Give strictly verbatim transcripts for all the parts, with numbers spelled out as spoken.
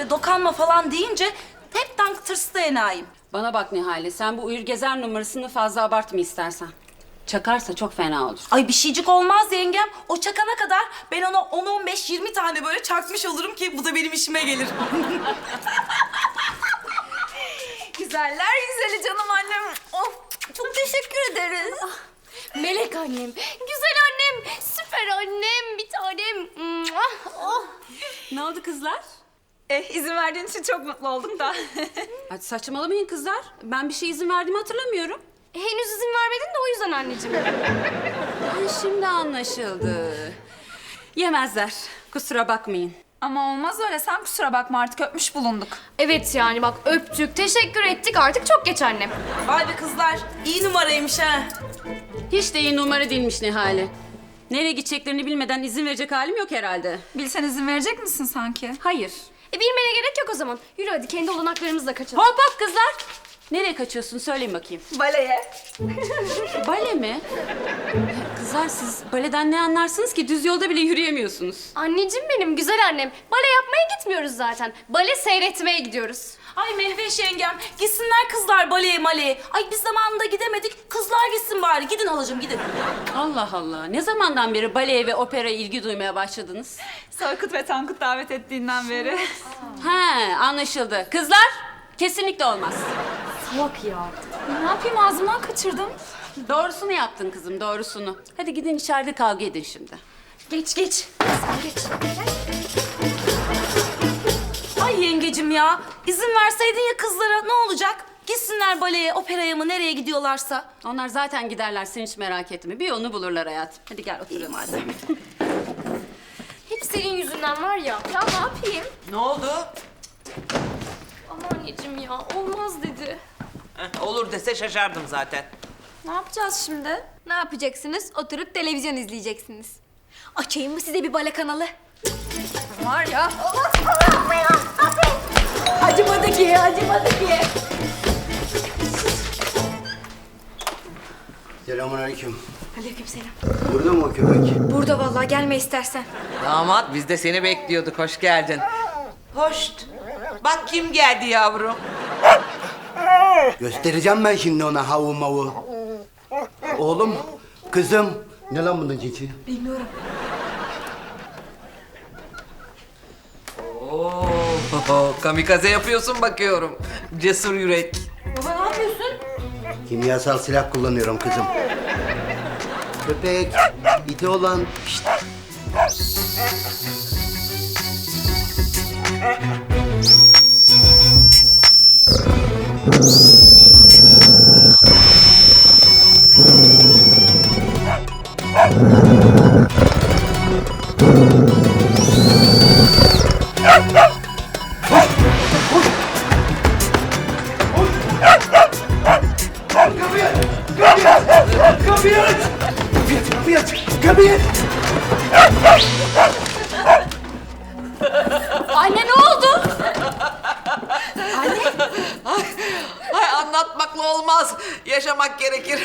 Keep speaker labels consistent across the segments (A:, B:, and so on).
A: böyle dokanma falan deyince hepten tırstı enayim.
B: Bana bak Nihale, sen bu uyur gezer numarasını fazla abartma istersen. Çakarsa çok fena olur.
A: Ay bir şeycik olmaz yengem. O çakana kadar ben ona on on beş yirmi tane böyle çakmış olurum ki bu da benim işime gelir.
C: Güzeller güzeli canım annem. Of, çok teşekkür ederiz.
D: Melek annem, güzel annem, süper annem, bir tanem. Oh.
B: Ne oldu kızlar?
C: Eh, izin verdiğin için çok mutlu oldum da.
B: Hadi saçmalamayın kızlar. Ben bir şey izin verdiğimi hatırlamıyorum.
D: Henüz izin vermedin de o yüzden anneciğim.
B: Ay, şimdi anlaşıldı. Yemezler. Kusura bakmayın.
C: Ama olmaz öyle. Sen kusura bakma, artık öpmüş bulunduk.
D: Evet yani bak öptük, teşekkür ettik, artık çok geç annem.
A: Vay be kızlar, iyi numaraymış ha.
B: Hiç de iyi numara değilmiş Nihale. Nereye gideceklerini bilmeden izin verecek halim yok herhalde.
C: Bilsen izin verecek misin sanki?
B: Hayır.
D: E bilmene gerek yok o zaman. Yürü hadi kendi olanaklarımızla kaçalım.
B: Hop hop kızlar. Nereye kaçıyorsun? Söyleyin bakayım.
C: Baleye.
B: Bale mi? Kızlar siz baleden ne anlarsınız ki? Düz yolda bile yürüyemiyorsunuz.
D: Anneciğim benim, güzel annem. Bale yapmaya gitmiyoruz zaten. Bale seyretmeye gidiyoruz.
A: Ay Mehveş yengem, gitsinler kızlar baleye maleye. Ay biz zamanında gidemedik, kızlar gitsin bari. Gidin halacığım, gidin.
B: Allah Allah. Ne zamandan beri baleye ve operaya ilgi duymaya başladınız?
C: Soykut ve Tankut davet ettiğinden beri.
B: He, anlaşıldı. Kızlar, kesinlikle olmaz.
D: Salak ya.
C: Ne yapayım, ağzımdan kaçırdım.
B: Doğrusunu yaptın kızım, doğrusunu. Hadi gidin içeride kavga edin şimdi.
D: Geç geç. Sen geç.
A: Ay yengecim ya, izin verseydin ya kızlara ne olacak? Gitsinler baleye, operaya mı nereye gidiyorlarsa.
B: Onlar zaten giderler, sen hiç merak etme. Bir yolunu bulurlar hayatım. Hadi gel oturalım hadi.
D: Hep senin yüzünden var ya.
C: Ya ne yapayım?
E: Ne oldu?
D: Ama anneciğim ya olmaz dedi.
E: Heh, olur dese şaşardım zaten.
C: Ne yapacağız şimdi?
D: Ne yapacaksınız? Oturup televizyon izleyeceksiniz. Açayım mı size bir bale kanalı?
C: Var ya.
A: Acımadı ki, acımadı ki.
F: Selamünaleyküm.
D: Aleykümselam.
F: Burada mı o köpek?
D: Burada vallahi gelme istersen.
E: Damat biz de seni bekliyorduk. Hoş geldin. Hoş. Bak kim geldi yavrum.
F: Göstereceğim ben şimdi ona havu mavu. Oğlum, kızım. Ne lan bunun cinsi?
E: Oo, kamikaze yapıyorsun bakıyorum. Cesur yürek.
F: Kimyasal silah kullanıyorum kızım. Köpek, iti olan. Şşt. Kapıyı aç! Kapıyı aç! Kapıyı aç!
B: Anne ne oldu?
E: Ay anlatmakla olmaz. Yaşamak gerekir.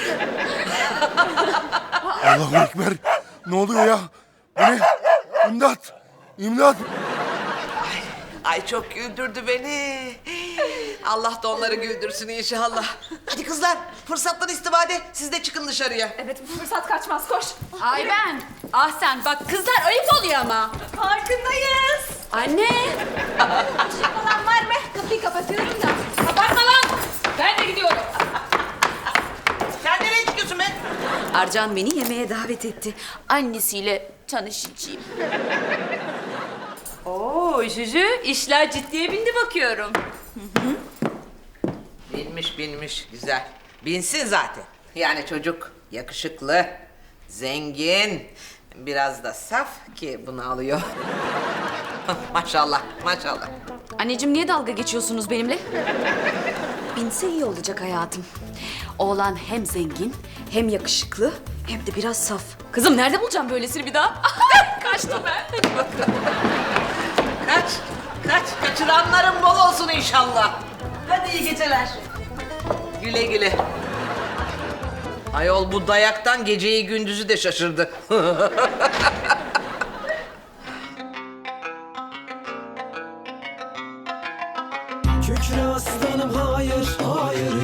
G: Allahu Ekber. Ne oluyor ya? Bu ne? İmdat! İmdat!
E: Ay çok güldürdü beni. Allah da onları güldürsün inşallah. Hadi kızlar fırsattan istifade siz de çıkın dışarıya.
C: Evet, bu fırsat kaçmaz, koş.
B: Ay ben. Ah sen bak kızlar ayıp oluyor ama.
C: Farkındayız.
B: Anne.
C: Falan var mı? Kapıyı kapatıyorum da.
B: Kapatma lan. Ben de gidiyorum.
E: Sen nereye çıkıyorsun be?
A: Arcan beni yemeğe davet etti. Annesiyle tanışacağım.
B: Oo Juju işler ciddiye bindi bakıyorum.
E: Binmiş binmiş güzel. Binsin zaten. Yani çocuk yakışıklı, zengin, biraz da saf ki bunu alıyor. Maşallah maşallah.
A: Anneciğim niye dalga geçiyorsunuz benimle? Binse iyi olacak hayatım. Oğlan hem zengin, hem yakışıklı, hem de biraz saf. Kızım nerede bulacağım böylesini bir daha? Kaçtım ben.
E: Kaç, kaç, kaçıranların bol olsun inşallah.
A: Hadi iyi geceler.
E: Güle güle. Ayol bu dayaktan geceyi gündüzü de şaşırdı.
H: Kükre aslanım hayır, hayır